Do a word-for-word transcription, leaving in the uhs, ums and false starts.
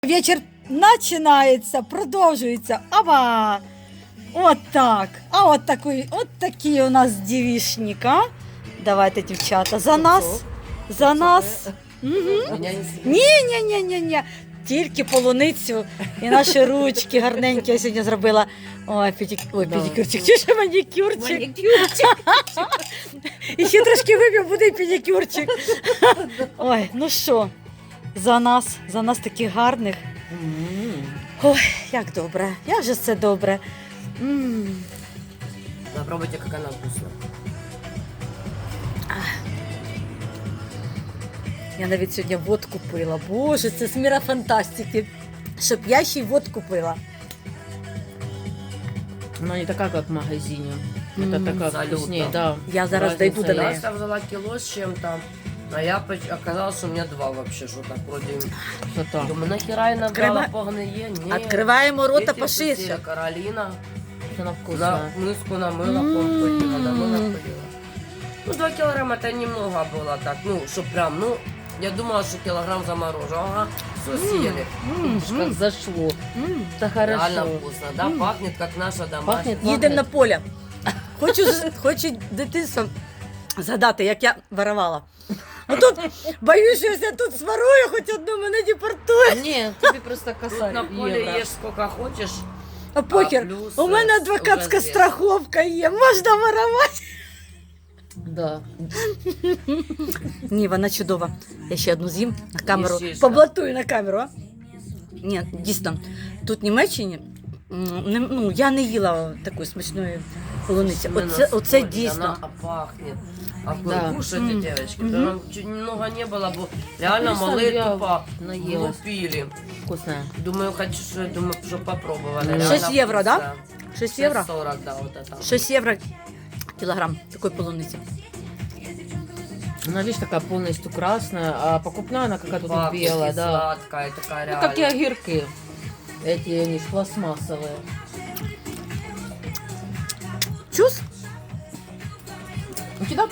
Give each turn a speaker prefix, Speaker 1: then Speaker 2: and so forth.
Speaker 1: Вечір починається, продовжується. Ава! От так. А от такий, от такі у нас дівішник, а? Давайте, дівчата, за нас. За нас. Угу. Ні, ні, ні, ні, ні. Тільки полуницю і наші ручки гарненькі я сьогодні зробила. Ой, педик... Ой, педикюрчик, чи ще манікюрчик.
Speaker 2: Манікюрчик.
Speaker 1: І ще трошки вип'ю, буде і педикюрчик. Ой, ну що, за нас, за нас таких гарних. Ой, як добре, як же це добре. М.
Speaker 2: Попробуйте, как она вкусная.
Speaker 1: Я навіть сьогодні водку пила. Боже, це з міра фантастики. Щоб я ще й водку пила.
Speaker 3: Она не такая, как в магазине.
Speaker 1: М,
Speaker 3: Это такая
Speaker 2: абсолютно.
Speaker 3: вкуснее, да.
Speaker 1: Я зараз
Speaker 3: Разница
Speaker 1: дойду до неї.
Speaker 3: есть.
Speaker 2: Я взяла кило с чем-то, а я поч- оказалось, что у меня два вообще, что так вроде.
Speaker 3: Красота.
Speaker 2: Думаю, нахера я набрала
Speaker 1: Открывай-
Speaker 2: погные? Нет.
Speaker 1: Відкриваємо рота
Speaker 2: Дети
Speaker 1: поширше.
Speaker 2: вкусили, Каролина
Speaker 3: Она
Speaker 2: на
Speaker 3: вкусная.
Speaker 2: миску намыла,
Speaker 1: М.
Speaker 2: помпотила, намыла, полила. Ну, два килограмма это немного было так, ну, что прям, ну, я думала, что килограмм заморожу, ага, все съели.
Speaker 1: М,
Speaker 3: Видишь, как
Speaker 1: м,
Speaker 3: зашло.
Speaker 1: м.
Speaker 3: Это
Speaker 2: Реально
Speaker 3: хорошо.
Speaker 2: вкусно, да,
Speaker 1: М.
Speaker 2: пахнет как наша домашняя.
Speaker 3: Пахнет.
Speaker 1: Їдемо на поле. Хочу, з- хочу дитинство згадати, як я воровала. А тут боюсь, що я тут сварую, хоч одну мене депортує.
Speaker 3: Нет, тебе просто
Speaker 2: Тут
Speaker 3: косарь.
Speaker 2: на поле
Speaker 3: евро.
Speaker 2: ешь сколько хочешь.
Speaker 1: А похер,
Speaker 2: плюс,
Speaker 1: у мене
Speaker 2: е,
Speaker 1: адвокатська
Speaker 2: вже звісно.
Speaker 1: страховка є, можна воровати.
Speaker 3: Да.
Speaker 1: Ні, вона чудова. Я ще одну з'їм на камеру.
Speaker 2: Їж, їж,
Speaker 1: Поблатую на камеру, а? Ні, дійсно. Тут в Німеччині м, не- ну, я не їла такої смачної полуниці.
Speaker 2: Именно
Speaker 1: Оце,
Speaker 2: с
Speaker 1: оце
Speaker 2: солью,
Speaker 1: дійсно.
Speaker 2: Она пахнет. А вы
Speaker 3: Да.
Speaker 2: кушаете,
Speaker 1: М.
Speaker 2: девочки?
Speaker 1: Мгм.
Speaker 2: Прям чуть немного не было, бо реально
Speaker 3: Представь,
Speaker 2: малые
Speaker 3: я
Speaker 2: тупо
Speaker 3: наелась.
Speaker 2: лупили.
Speaker 3: Вкусная.
Speaker 2: Думаю, хочу, что думаю, что попробовали.
Speaker 3: Шесть
Speaker 2: Реально
Speaker 1: євро, да?
Speaker 2: вкусно.
Speaker 1: шість євро?
Speaker 2: сорок, да, вот это.
Speaker 1: шість євро кілограм такої полуниці.
Speaker 3: Она, видишь, такая полностью красная, а покупная она какая-то тут
Speaker 2: Пахнет
Speaker 3: белая,
Speaker 2: и
Speaker 3: да.
Speaker 2: сладкая такая
Speaker 3: Ну,
Speaker 2: реально.
Speaker 3: как и огурки. Эти, они ж пластмассовые.
Speaker 1: Чус?
Speaker 3: У тебя